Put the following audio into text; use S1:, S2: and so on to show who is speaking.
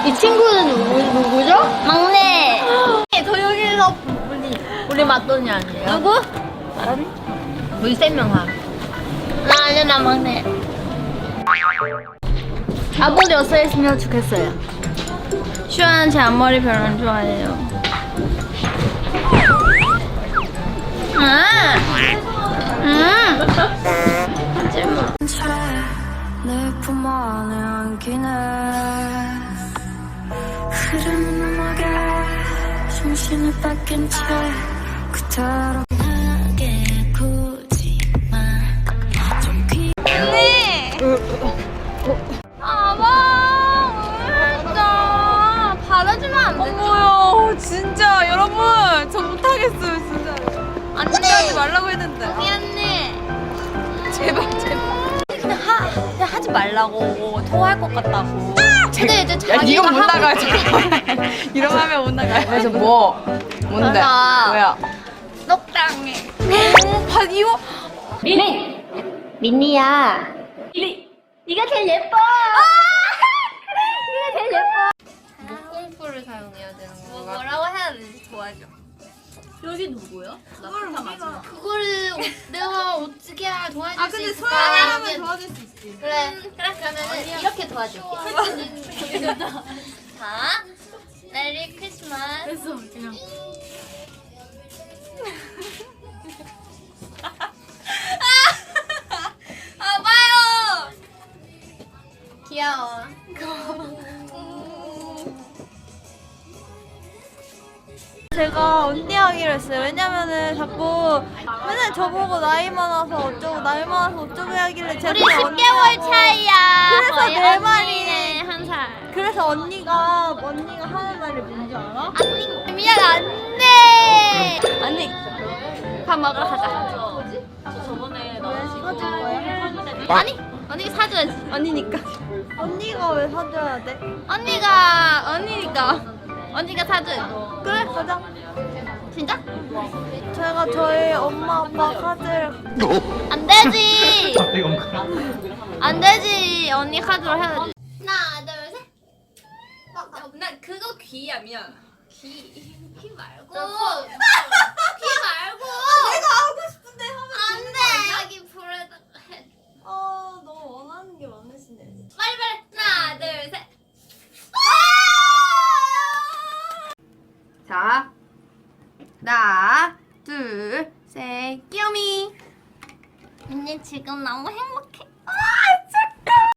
S1: 이 친구는 누구죠?
S2: 막내.
S1: 저 여기서 우리 맞돈이 아니에요?
S2: 누구?
S1: 우리 세 명 하.
S2: 나 아니야, 나 막내. 앞머리 어서 했으면 좋겠어요. 슈아는 제 앞머리 별로 안 좋아해요. 하지마.
S3: 내 품 안에 안기네 흐르는 음악에 정신을 뺏긴 채 그대로 나게 굳지마 좀
S2: 진짜 받아주면 안 되죠?
S4: 어머요, 진짜 여러분, 저 못하겠어요, 진짜.
S2: 안돼.
S4: 하지 말라고 했는데.
S2: 미안해.
S4: 제발. 그냥 하지 말라고. 토할 것 같다고.
S2: 근데 이제
S4: 야,
S2: 자기가
S4: 이건 못
S2: 하고
S4: 나가요, 잠깐만. 이러면 하면 못 나가요. 그래서 뭐? 뭔데?
S2: 맞아.
S4: 뭐야?
S2: 녹당해.
S4: 이거?
S2: 민니야. 네가 제일 예뻐. 네가 제일 예뻐.
S1: 목공풀을 사용해야 되는 건가?
S2: 뭐라고 해야 되지? 도와줘.
S1: 여기 누구요?
S2: 그거를 내가 어떻게 도와줄 수
S4: 근데
S2: 있을까?
S4: 소연이 하면 도와줄 수 있지.
S2: 그래. 그러면은 이렇게 도와줄게. 자, 메리 크리스마스.
S1: 그래서 그냥
S2: 봐요. 귀여워.
S4: 제가 언니 하기로 했어요. 왜냐면은 자꾸 맨날 저보고 나이 많아서 어쩌고 나이 많아서 어쩌고 하길래 제가
S2: 우리
S4: 그냥
S2: 10개월 차이야.
S4: 그래서
S2: 거의
S4: 내
S2: 언니는
S4: 말이-
S2: 한 살.
S4: 그래서 언니가 하는 말이 뭔지 알아?
S2: 언니 미안 안돼. 언니 밥 먹으러 가자.
S4: 사줄 거야?
S2: 아니 언니가 사줘야지.
S4: 언니니까. 언니가 왜 사줘야 돼?
S2: 언니가 사줘야지.
S4: 그래 가자.
S2: 진짜?
S4: 제가 저희 엄마 아빠 카드를
S2: 안 되지. 안 되지. 언니 카드로 해야지. 하나 둘 셋.
S4: 나 그거 귀야 미안.
S2: 귀 말고. 귀 말고.
S4: 내가 하고 싶은데 하면
S2: 안 돼. 여기 불에다가 해.
S4: 너 원하는 게 많으시네.
S2: 빨리. 하나 둘 셋.
S4: 자, 하나, 둘, 셋, 끼요미.
S2: 언니 지금 너무 행복해.